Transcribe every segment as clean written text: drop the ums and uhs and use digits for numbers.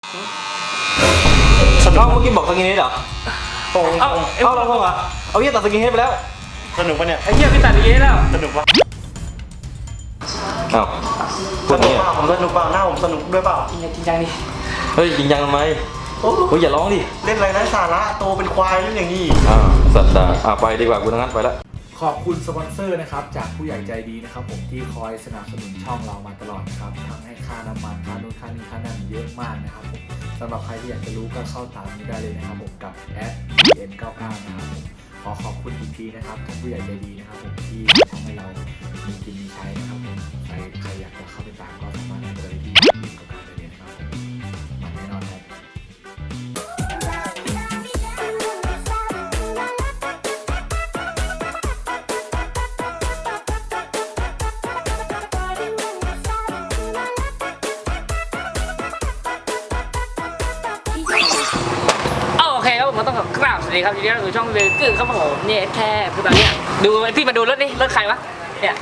เอาเมื่อกี้บอกสกินเฮดเหรอเอาเราพงเหรอเอาเหี้ยตัดสกินเฮดไปแล้วสนุกปะเนี่ยไอ้เหี้ยพี่ตัดสกินเฮดแล้วสนุกปะอ้าวพูดนี้ผมสนุกเปล่าหน้าผมสนุกด้วยเปล่าจริงจังดิเฮ้ยจริงจังทำไมโอ้ยอย่าร้องดิเล่นอะไรนะสาระโตเป็นควายเล่นอย่างนี้สัตว์ไปดีกว่ากูทั้งนั้นไปแล้วขอบคุณสปอนเซอร์นะครับจากผู้ใหญ่ใจดีนะครับผมที่คอยสนับสนุนช่องเรามาตลอดครับทั้งให้ค่าน้ำมันค่าโน้นค่านี้ค่านั้นเยอะมากนะครับผมสำหรับใครที่อยากจะรู้ก็เข้าตามนี้ได้เลยนะครับผมกับ@n99 นะครับผมขอบคุณอีกทีนะครับท่านผู้ใหญ่ใจดีนะครับผมที่ทำให้เรามีกินมีใช้นะครับผมใครอยากจะเข้าไปตามก็สามารถไปที่@n99ได้เลยนะครับผมมันแน่นอนครับมันต้องกราบสวัสดีครับทีนี้เราอยู่ช่องเรือกึ่งครับผมเนี่ยแค่คือตอนนี้ดูพี่มาดูรถนี่รถใครวะเนี่ย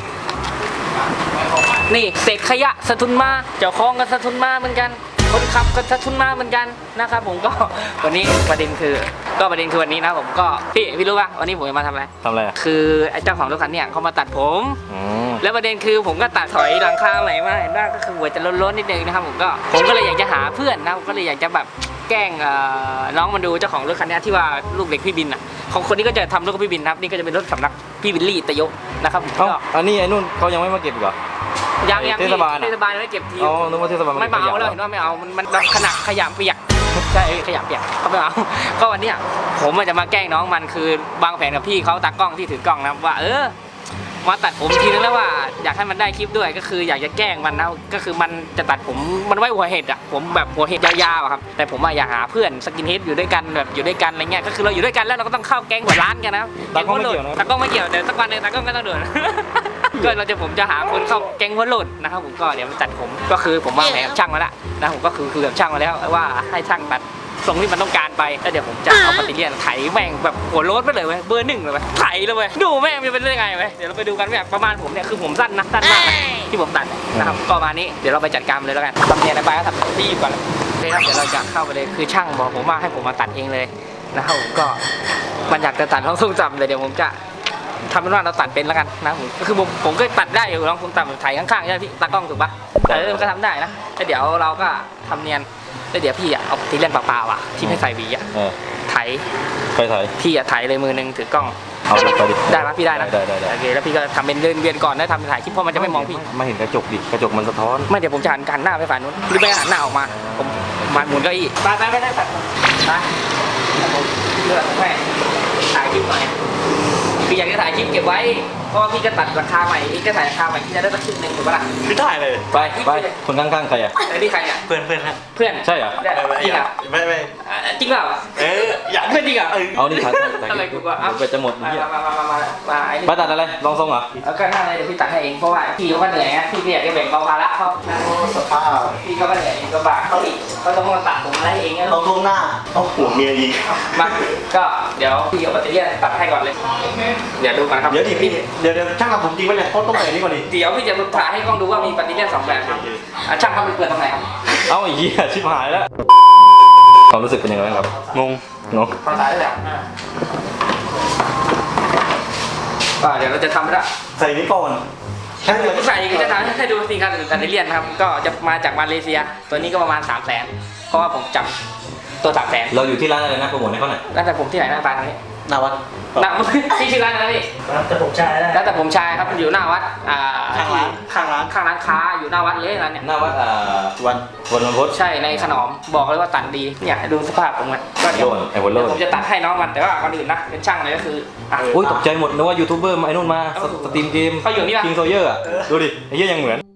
นี่เศษขยะสะทุนมาเจ้าของก็สะทุนมาเหมือนกันคนขับก็สะทุนมาเหมือนกันนะครับผมก็วันนี้ประเด็นคือวันนี้นะผมก็พี่รู้ป่ะวันนี้ผมจะมาทำอะไรคือไอ้เจ้าของรถคันเนี่ยเขามาตัดผมแล้วประเด็นคือผมก็ตัดถอยหลังคาใหม่มาเห็นป่ะก็คือหัวจะล้นๆนิดนึงนะครับผมก็เลยอยากจะหาเพื่อนนะผมก็เลยอยากจะแบบแกล้งน้องมาดูเจ้าของรถคันนี้ที่ว่าลูกเด็กพี่บินอ่ะของคนนี้ก็จะทำรถกับพี่บินครับนี่ก็จะเป็นรถสำนักพี่บิลลี่ตะยกนะครับก็อันนี้ไอ้นู่นเขายังไม่มาเก็บอีกเหรอยังเทศบาลไม่เก็บทีนึกว่าเทศบาลไม่เอาแล้วเห็นว่าไม่เอามันขนาดขยะเปียกใช่ขยะเปียกเขาไม่เอาก็วันนี้ผมจะมาแกล้งน้องมันคือบางแผนกับพี่เขาตากล้องที่ถือกล้องนะว่ามาตัดผมทีนึงแล้วว่าอยากให้มันได้คลิปด้วยก็คืออยากจะแกล้งมันนะก็คือมันจะตัดผมมันไว้หัวเห็ดอ่ะผมแบบหัวเห็ดยาวๆครับแต่ผมอยากหาเพื่อนสกินเฮดอยู่ด้วยกันแบบอยู่ด้วยกันอะไรเงี้ยก็คือเราอยู่ด้วยกันแล้วเราก็ต้องเข้าแก๊งหัวร้านกันนะตากล้องไม่เกี่ยวตากล้องไม่เกี่ยวเดี๋ยวสักวันนึงตากล้องก็ต้องโดนก็ผมจะหาคนเข้าแก๊งหัวโหลดนะครับผมก็เดี๋ยวมันตัดผมก็คือผมวางแผนกับช่างมาแล้วนะผมก็คือกับช่างมาแล้วว่าให้ช่างตัดทรงที่มันต้องการไปแล้วเดี๋ยวผมจะเอาปฏิเลียนไถแม่งแบบหัวโล้นไปเลยเว้ยเบอร์ 1เลยเว้ยไถเลยเว้ยดูแม่งมันจะเป็นยังไงเว้ยเดี๋ยวเราไปดูกันแบบประมาณผมเนี่ยคือผมสั้นมากนะที่ผมตัดนะครับก็มานี้เดี๋ยวเราไปจัดการเลยแล้วกันทำเนียนไปก็ทำรีบก่อนเลยครับเดี๋ยวเราจะเข้าไปเลยคือช่างบอกผมว่าให้ผมมาตัดเองเลยนะครับผมก็มันอยากจะตัดท้องทรงจำเลยเดี๋ยวผมจะทำเป็นว่าเราตัดเป็นแล้วกันนะคือผมก็ตัดได้อยู่ลองคุณตัดไถข้างๆใช่ไหมพี่ตากล้องถูกปะมันก็ทำได้นะแล้วเดี๋ยวเราก็ทำเนียนแล้วเดี๋ยวพี่เอาที่เล่นเปล่าๆที่ไม่ใส่หวีไถพี่ไถเลยมือนึงถือกล้องเอาไปดิได้ไหมพี่ได้นะโอเคแล้วพี่ก็ทำเป็นเวียนก่อนนะทำถ่ายคลิปเพราะมันจะไม่มองพี่ไม่เห็นกระจกดิกระจกมันสะท้อนไม่เดี๋ยวผมจะหันหน้าไปฝ่ายนู้นหรือไม่หันหน้าออกมาผมมันหมุนเก้าอี้ไปได้ตัดไปเลือกแม่ถ่ายคลิปหน่อยคืออยากจะถ่ายคลิปเก็บไว้เพราะว่าพี่จะตัดราคาใหม่พี่จะถ่ายราคาใหม่พี่จะได้สักครึ่งนึงถูกปะล่ะพี่ถ่ายเลยไปคนข้างๆใครอ่ะไอ้นี่ใครอ่ะเพื่อนฮะเพื่อนใช่เหรอจริงเหรอไม่จริงเปล่าอยากเพื่อนจริงเหรอเอานี่ถ่ายอะไรกูก็ไปจะหมดมาไปตัดอะไรลองทรงเหรอเอาก็นั่งเลยเดี๋ยวพี่ตัดให้เองเพราะว่าพี่เขาก็เหนื่อยนะพี่อยากจะแบ่งเบาภาระเขาสภาพพี่ก็เหนื่อยก็บากเขาอีกเขาต้องมาตัดผมอะไรเองต้องลงหน้าต้องหัวเมียอีกมาก็เดี๋ยวพี่เอาแบตเตอรี่ตัดให้ก่อนเลยเดี๋ยวดูกันครับเดี๋ยวช่างทำผมจริงไหมเนี่ยเขาต้องใส่นี่ก่อนดิเดี๋ยวพี่จะถ่ายให้กล้องดูว่ามีแบตเตอรี่2แบบช่างทำเป็นเปลือกตรงไหนครับเอาอีกชิบหายแล้วความรู้สึกเป็นยังไงบ้างครับงงพอถ่ายได้แล้วเดี๋ยวเราจะทำแล้วใส่นี้ก่อนใส่จะทำให้ดูสิครับแบตเตอรี่นะครับก็จะมาจากมาเลเซียตัวนี้ก็ประมาณ300,000เพราะว่าผมจับตัว300,000 เราอยู่ที่ร้านอะไรนะโปรโมทให้เขาหน่อยร้านแต่ผมที่ไหนหน้าตาตรงนี้หน้าวัดที่ชื่อร้านอะไรพี่ร้านแต่ผมชายร้านแต่ผมชายครับอยู่หน้าวัดข้างร้านค้าอยู่หน้าวัดเลยร้านเนี่ยหน้าวัดวันพุธใช่ในขนมบอกเลยว่าตัดดีเนี่ยดูสภาพผมมันก็เดี๋ยวผมจะตัดให้น้องมันแต่ว่าก่อนอื่นนะเป็นช่างเลยก็คืออุ้ยตกใจหมดนึกว่ายูทูบเบอร์ไอ้นู่นมาสตรีมเกมเขาอยู่นี่ป่ะคิงโซเยอร์ดูดิไอ้เหี้ยยังเหมือน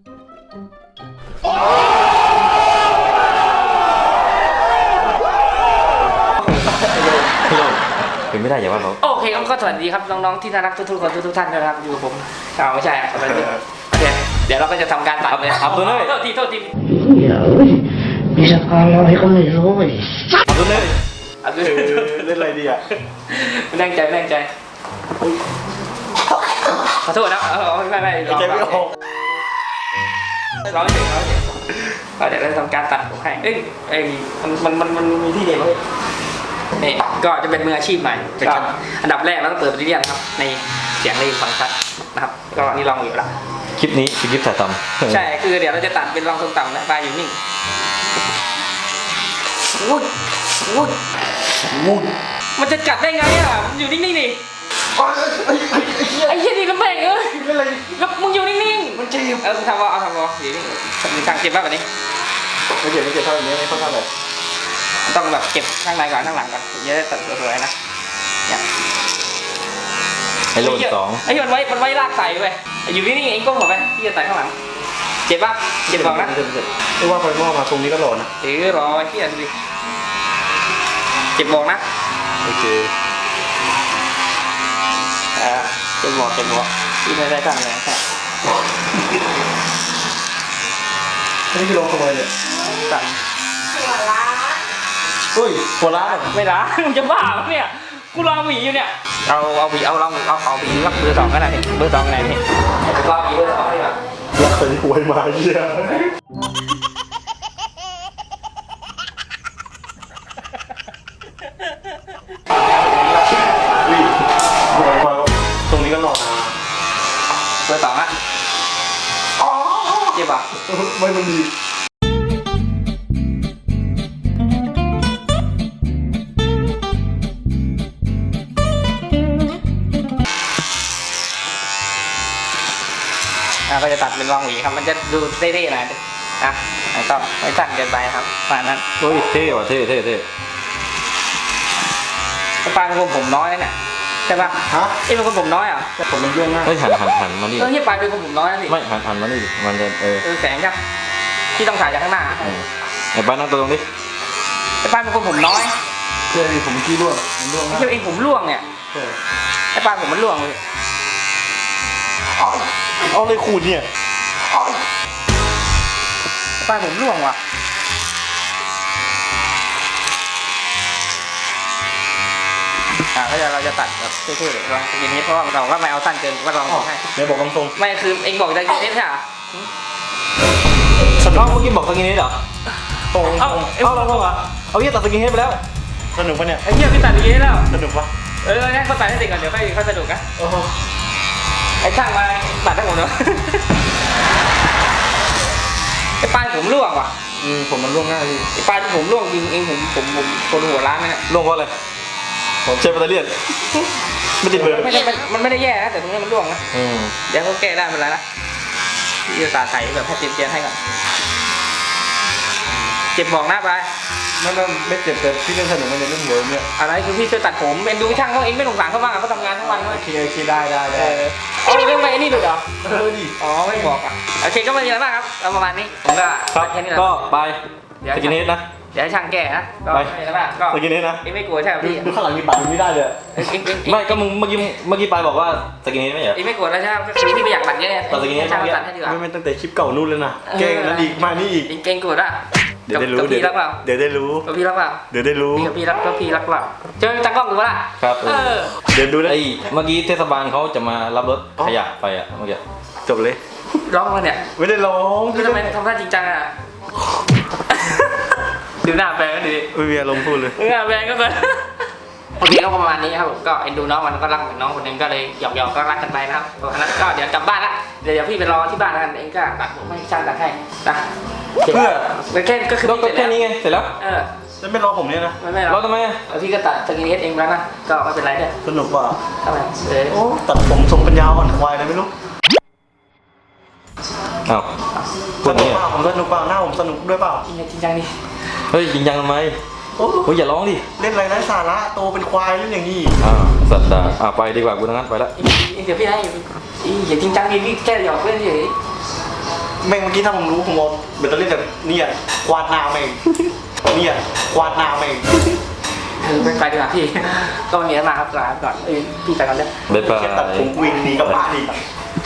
เป็นไม่ได้อย่าว่าเขาโอเคก็สวัสดีครับน้องๆที่น่ารักทุกๆคนทุกท่านนะครับอยู่กับผมไม่ใช่โอเคเดี๋ยวเราก็จะทำการตัดเลยอับดุลเลยโทษทีมีสภาพอะไรก็ไม่รู้เลยอับดุลเลยเล่นอะไรดีอ่ะแรงใจขอโทษนะไม่ใจไม่ออกร้องเสียงก็เดี๋ยวเราจะทำการตัดผมให้มันมีที่เดียวเลยนี่ก็จะเป็นมืออาชีพใหม่ก็อันดับแรกเราต้องเปิดปฏิเรียนครับในเสียงได้ยินฟังชัดนะครับก็นี่ลองอยู่ละคลิปนี้คือคลิปถ่ายทำใช่คือเดี๋ยวเราจะตัดเป็นรองทรงต่ำนะปลายอยู่นิ่งวุ้ดมันจะกัดได้ไงอ่ะมันอยู่นิ่งๆดิไอ้เหี้ยนี่ลำบากแล้วมึงอยู่นิ่งๆมันเจ็บทำวอเอาทำวออยู่นี่มีทางเจ็บบ้างแบบนี้ไม่เจ็บเท่านี้ไม่ค่อนข้างเลยต้องแบบเก็บข้างในก่อนข้างหลังก่อนเยอะตัดสวยๆนะเนี่ยไอ้โหลดสองไอ้มันไว้ลากใส่ไปอยู่นิ่งๆเองก้มหัวไปพี่จะใส่ข้างหลังเจ็บป่ะเจ็บบอกนะไม่ว่าไฟหม้อมาตรงนี้ก็หล่อนะรอไอ้พี่ดูดิเจ็บบอกนะโอเคเจ็บบอกพี่ไม่ได้ตั้งเลยแค่นี่คือลงขโมยเลยสั่นเฮ้ยหัวล้านไม่ละมึงจะบ้าปะเนี่ยกูรอหวีอยู่เนี่ยเอาหวีเอาลองเอาหวีรักเบอร์ 2ก็ได้เบอร์ 2ไหนนี่รอหวีเบอร์ 2ดีกว่ารักเป็นหวยมาเยี่ยตรงนี้ก็หล่อนะเบอร์ 2อ่ะเจ็บป่ะไม่มันดีก็จะตัดเป็นรองหวีครับมันจะดูเท่ๆหน่อยแล้วก็ไม่สั้นเกินไปครับประมาณนั้นเฮ้ยเท่ว่ะเท่ปลายเป็นคนผมน้อยเนี่ยใช่ป่ะฮะเอ้เป็นคนผมน้อยอ่ะผมมันเรื่องง่ายเฮ้ยหันมานี่ที่ปลายเป็นคนผมน้อยนะสิไม่หันมานี่ดิมันจะแสงครับที่ต้องถ่ายจากข้างหน้าไอ้บ้านนั่งตัวตรงนี้ไอ้ปลายเป็นคนผมน้อยเรื่องผมขี้ร่วงมันร่วงไม่ใช่เองผมร่วงเนี่ยไอ้ปลายผมมันร่วงเลยเอาเลยขูดเนี่ยปลายผมร่วงว่ะก็เราจะตัดแบบเท่ๆลองกินนิดเพราะว่าเราก็ไม่เอาสั้นเกินก็ลองให้เดี๋ยวบอกตรงไม่คือเองบอกจะกินนิดใช่ไหมเมื่อกี้บอกสกินเฮดเหรอตรงเอาเราต้องเหรอเอาเหี้ยตัดสกินเฮดไปแล้วสนุกปะเนี่ยไอ้เหี้ยพี่ตัดอย่างนี้แล้วสนุกปะงั้นเขาตัดให้เสร็จก่อนเดี๋ยวค่อยสนุกนะโอ้โหไอ้ช่างมาตัดให้ผมเนาะไอ้ปลายผมร่วงว่ะผมมันร่วงง่ายพี่ไอ้ปลายที่ผมร่วงจริงเองผมคนหัวล้านนะล่วงเพราะอะไรผมใช้แบตเตอรี่ไม่ติดเบอร์มันไม่ได้แย่นะแต่ตรงนี้มันร่วงนะเดี๋ยวเขาแก้ได้เป็นไรนะพี่จะใส่แบบให้เตียนให้ก่อนเจ็บบอกหน้าไปไม่เจ็บแต่พี่เล่นสนุกมันในเรื่องเวิร์มเนี่ยอะไรคือพี่ช่วยตัดผมเอ็นดูช่างเขาเองไม่สงสารเขาบ้างเขาทำงานทั้งวันเลยโอเคได้เอาเรื่องไปไอ้นี่ดูเหรอดิอ๋อไม่บอกอ่ะโอเคก็ไม่มีอะไรมากครับเอาประมาณนี้ผมก็ครับแค่นี้แหละก็ไปสกินเฮดนะเดี๋ยวให้ช่างแก้นะก็ไม่มีอะไรมากก็สกินเฮดนะเองไม่กลัวใช่ไหมพี่ดูข้างหลังมีบัตรไม่ได้เลยไม่ก็มึงเมื่อกี้ไปบอกว่าสกินเฮดไม่เหรอเองไม่กลัวแล้วใช่ไหมก็คือพี่ไม่อยากตัดเยอะไงตัดอย่างงี้ช่างตัดให้ดีกว่าไม่ตั้งแต่คลิปเก่านู่นเลยนะเก่งนั้นอีกมานี่อีกเก่งกลัวละเดี๋ยวได้รู้กับพี่รักเปล่าเดี๋ยวได้รู้กับพี่รักเปล่าเดี๋ยวได้รู้พี่กับพี่รักก็พี่รักเปล่าเจอตากล้องดูป่ะล่ะครับเดี๋ยวดูนะไอ้เมื่อกี้เทศบาลเขาจะมารับรถขยะไปอ่ะเมื่อกี้จบเลยร้องมาเนี่ยไม่ได้ร้องทำไมทำท่าจริงจังอ่ะดูหน้าแปลงก็ดีไม่มีอารมณ์พูดเลยดูหน้าแปลงก็เกินโอเคก็ประมาณนี้ครับผมก็เอ็นดูน้องมันก็รักเหมือนน้องคนนึงก็เลยหยอกๆก็รักกันไปนะครับเพราะฉะนั้นก็เดี๋ยวกลับบ้านละเดี๋ยวพี่ไปรอที่บ้านแล้วกันเองก็ตัดผมให้ช่างตัดให้นะเพื่อแค่ก็คือก็แค่นี้ไงเสร็จแล้วจะไม่รอผมเนี่ยนะไม่หรเราอกทำไมอ่ะแล้วพี่ก็ตัดสกินเฮดเองแล้วนะก็ไม่เป็นไรเด้อสนุกว่ะทำไมโอ้ตัดผมทรงปัญญาอ่อนควายอะไรไม่รู้อ้าวสนุกเปล่าผมสนุกเปล่าหน้าผมสนุกด้วยเปล่าจริงจังดิเฮ้ยจริงจังทำไมโอ้เฮ้ยอย่าร้องดิเล่นอะไรไร้สาระโตเป็นควายเล่นอย่างนี้สัตว์ด่าไปดีกว่ากูทั้งนั้นไปละเดี๋ยวพี่ให้อย่าจริงจังดิพี่แค่หยอกเล่นเฉยแม่งเมื่อกี้ถ้าผมรู้ผมเอาแบตเตอรี่แบบเนี่ยกวาดหน้าแม่งเนี่ยกวาดหน้าแม่งไปดีกว่าพี่ก็มีแล้วมาครับลาก่อนพี่ไปก่อนเลยบ๊ายบายแค่ตัดผมวิ่งหนีกลับบ้านอีก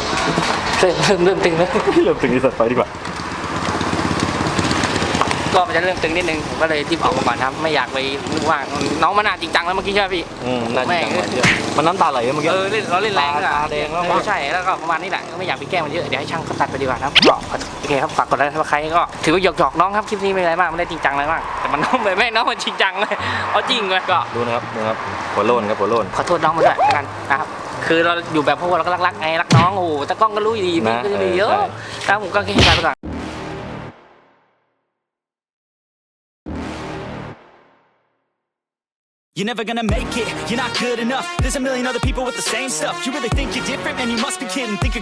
เริ่มตึงแล้วเริ่มถึงที่สัตว์ไปดีกว่าก็มันจะจะเริ่มตึงนิดนึงผมก็เลยรีบออกมาก่อนครับไม่อยากไปว่าน้องมันน่าจริงจังแล้วเมื่อกี้ใช่ไหมพี่น่าจะจังหวะเยอะมันน้ำตาไหลเมื่อกี้เราเล่นแรงด้วยตาแดงแล้วมั้งใช่แล้วก็ประมาณนี้แหละก็ไม่อยากไปแกล้งมันเยอะเดี๋ยวให้ช่างเขาตัดไปดีกว่าครับก็โอเคครับฝากกดไลค์ถ้าใครก็ถือว่าหยอกน้องครับคลิปนี้ไม่อะไรมากไม่ได้จริงจังอะไรมากแต่มันน้องไม่น้องมันจริงจังเลยเอาจริงเลยก็ดูนะครับหัวโลนครับหัวโลนขอโทษน้องมาด้วยกันนะครับคือเราอยู่แบบพวกเราก็รักไงรักน้องโอ้โหแต่กล้องก็รู้ดีพี่ก็จะมีเยอะแล้วผมก็แค่ให้ไปก่อน You're never gonna make it, you're not good enough. There's a million other people with the same stuff. You really think you're different, man, you must be kidding. Think you're